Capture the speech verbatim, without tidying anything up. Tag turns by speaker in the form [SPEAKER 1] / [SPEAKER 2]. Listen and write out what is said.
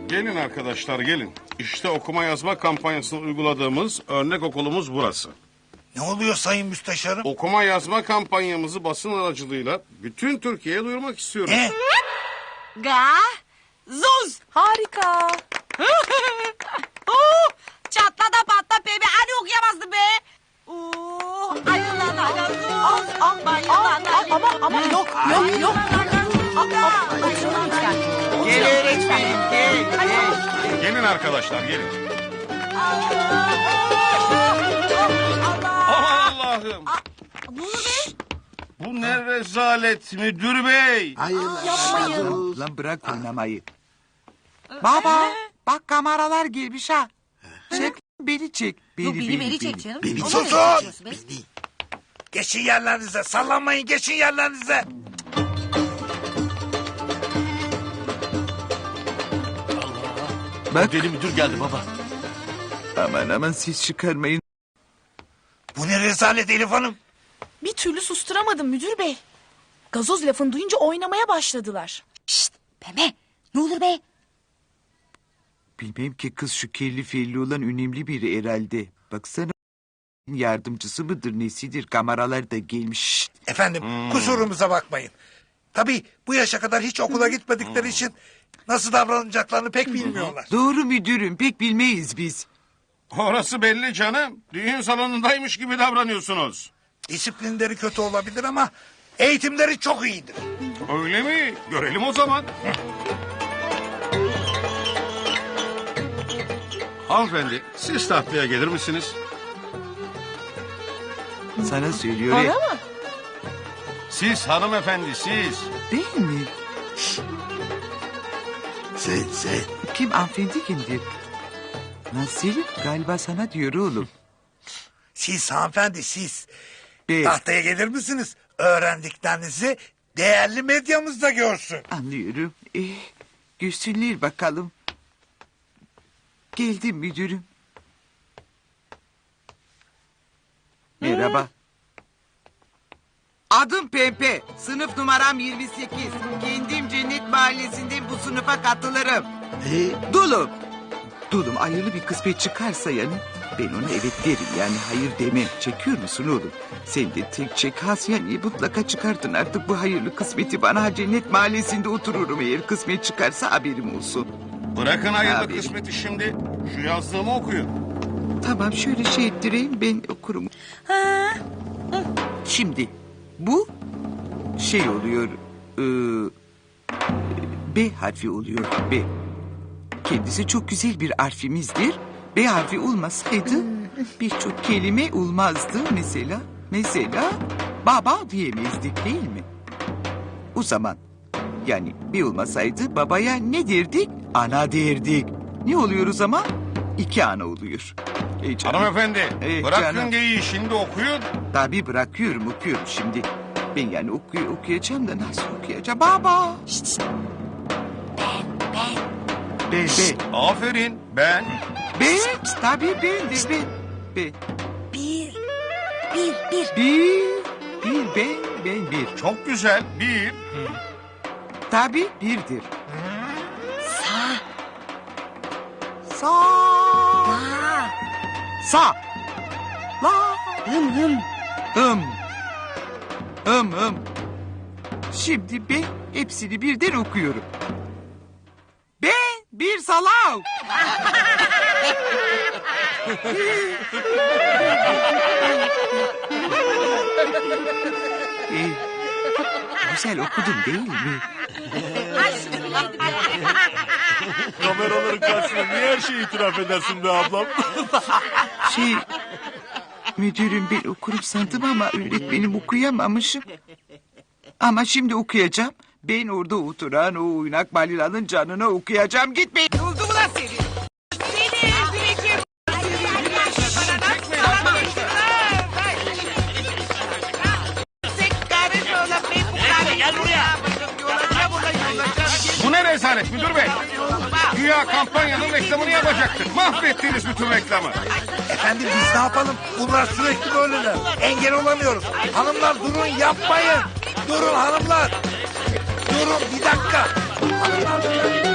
[SPEAKER 1] Gelin arkadaşlar gelin. İşte okuma yazma kampanyasını uyguladığımız örnek okulumuz burası.
[SPEAKER 2] Ne oluyor sayın müsteşarım?
[SPEAKER 1] Okuma yazma kampanyamızı basın aracılığıyla bütün Türkiye'ye duyurmak istiyoruz.
[SPEAKER 2] Ne?
[SPEAKER 3] Ga, zuz.
[SPEAKER 4] Harika.
[SPEAKER 3] Oo, çatla da patla bebe. Hani okuyamazdı be. Oo, ayılan ayılan zuz.
[SPEAKER 4] Al, al,
[SPEAKER 3] Bayılan
[SPEAKER 4] al, al, ama, ama yok, yok, yok. Al, al, oturun lütfen.
[SPEAKER 5] Gel öğretmenim gel gel.
[SPEAKER 1] Gelin arkadaşlar gelin.
[SPEAKER 3] Allah.
[SPEAKER 1] Aman Allah'ım.
[SPEAKER 3] Ne oldu be?
[SPEAKER 1] Bu ne rezalet müdür bey.
[SPEAKER 4] Yapmayın.
[SPEAKER 5] Lan bırak oynamayı. Baba bak kameralar gelmiş ha. Çek beni çek. Beni,
[SPEAKER 3] Yok beni beni çek canım.
[SPEAKER 2] Beni
[SPEAKER 3] Onu
[SPEAKER 2] susun.
[SPEAKER 3] nereye çekiyorsun be?
[SPEAKER 2] Beni. Geçin yerlerinize. Sallanmayın, geçin yerlerinize.
[SPEAKER 5] Bak.
[SPEAKER 1] Deli müdür geldi baba.
[SPEAKER 5] Aman aman siz çıkarmayın.
[SPEAKER 2] Bu ne rezalet Elif Hanım?
[SPEAKER 4] Bir türlü susturamadım müdür bey. Gazoz lafını duyunca oynamaya başladılar.
[SPEAKER 3] Şşt pembe. Ne olur be?
[SPEAKER 5] Bilmem ki kız şu kelli felli olan önemli biri herhalde. Baksana yardımcısı mıdır nesidir kameralar da gelmiş. Şşt.
[SPEAKER 2] Efendim kusurumuza bakmayın. Tabii bu yaşa kadar hiç okula gitmedikleri için nasıl davranacaklarını pek bilmiyorlar.
[SPEAKER 5] Doğru müdürüm pek bilmeyiz biz.
[SPEAKER 1] Orası belli canım. Düğün salonundaymış gibi davranıyorsunuz.
[SPEAKER 2] Disiplinleri kötü olabilir ama eğitimleri çok iyidir.
[SPEAKER 1] Öyle mi? Görelim o zaman. Hanımefendi siz tahtaya gelir misiniz?
[SPEAKER 5] Sana söylüyor.
[SPEAKER 4] Bana
[SPEAKER 5] ya.
[SPEAKER 4] mı?
[SPEAKER 1] Siz hanımefendi siz.
[SPEAKER 5] Değil mi?
[SPEAKER 2] Sen sen.
[SPEAKER 5] Kim hanımefendi kimdir? Nasıl? Galiba sana diyor oğlum.
[SPEAKER 2] Siz hanımefendi siz.
[SPEAKER 5] Be,
[SPEAKER 2] Tahtaya gelir misiniz? Öğrendiklerinizi değerli medyamızda görsün.
[SPEAKER 5] anlıyorum. Eh, görsünler bakalım. Geldim müdürüm. Merhaba. Adım Pepe. Sınıf numaram yirmi sekiz. Kendim Cennet Mahallesi'nde bu sınıfa katılırım. Dulum. Dulum hayırlı bir kısmet çıkarsa yani ben ona evet derim yani hayır demem. Çekiyor musun oğlum? Sen de tek çek has yani mutlaka çıkartın artık bu hayırlı kısmeti bana. Cennet Mahallesi'nde otururum eğer kısmet çıkarsa haberim olsun.
[SPEAKER 1] Bırakın hayırlı
[SPEAKER 5] Abi.
[SPEAKER 1] kısmeti şimdi. Şu yazdığımı okuyun.
[SPEAKER 5] Tamam şöyle şey ettireyim ben okurum.
[SPEAKER 3] Ha?
[SPEAKER 5] Şimdi bu şey oluyor. e, B harfi oluyor B. Kendisi çok güzel bir harfimizdir. B harfi olmasaydı birçok kelime olmazdı. Mesela mesela baba diyemezdik değil mi? O zaman yani B olmasaydı babaya ne derdik? Ana derdik. Ne oluyor o zaman? İki ana oluyor. Ey canım.
[SPEAKER 1] Hanımefendi
[SPEAKER 5] Ee,
[SPEAKER 1] bırakın
[SPEAKER 5] canım.
[SPEAKER 1] geyiği şimdi okuyun.
[SPEAKER 5] Tabii bırakıyorum okuyorum şimdi. Ben yani okuy okuyacağım da nasıl okuyacağım? Baba.
[SPEAKER 3] Şşt şşt. Ben ben.
[SPEAKER 5] Be be.
[SPEAKER 1] Aferin ben.
[SPEAKER 5] Ben tabii ben de ben. Be.
[SPEAKER 3] Bir. Bir bir.
[SPEAKER 5] Bir. Bir ben ben bir.
[SPEAKER 1] Çok güzel. Bir.
[SPEAKER 5] Tabii birdir.
[SPEAKER 3] Sa.
[SPEAKER 5] Sa.
[SPEAKER 3] La.
[SPEAKER 5] Sa. La.
[SPEAKER 3] Hım hım.
[SPEAKER 5] Hım. Hım hım. Şimdi ben hepsini birden okuyorum. Ben bir salav. Ee, güzel okudum değil mi?
[SPEAKER 3] Ay şu bileydi be.
[SPEAKER 6] Kameraların karşısında niye her şeyi itiraf edersin be ablam?
[SPEAKER 5] Şey, müdürüm ben okurum sandım ama öğretmenim okuyamamışım. Ama şimdi okuyacağım. Ben orada oturan o oynak balilanın canına okuyacağım. Gitmeyin. Oldu mu lan seni? Seni öldüreceğim.
[SPEAKER 1] Bu ne rezalet müdür bey? Güya kampanyanın reklamını yapacaktık. Mahvettiniz bütün reklamı.
[SPEAKER 2] Efendim biz ne yapalım? Bunlar sürekli böyleler. Engel olamıyoruz. Hanımlar durun yapmayın. Durun hanımlar. Durun bir dakika. Hanımlar.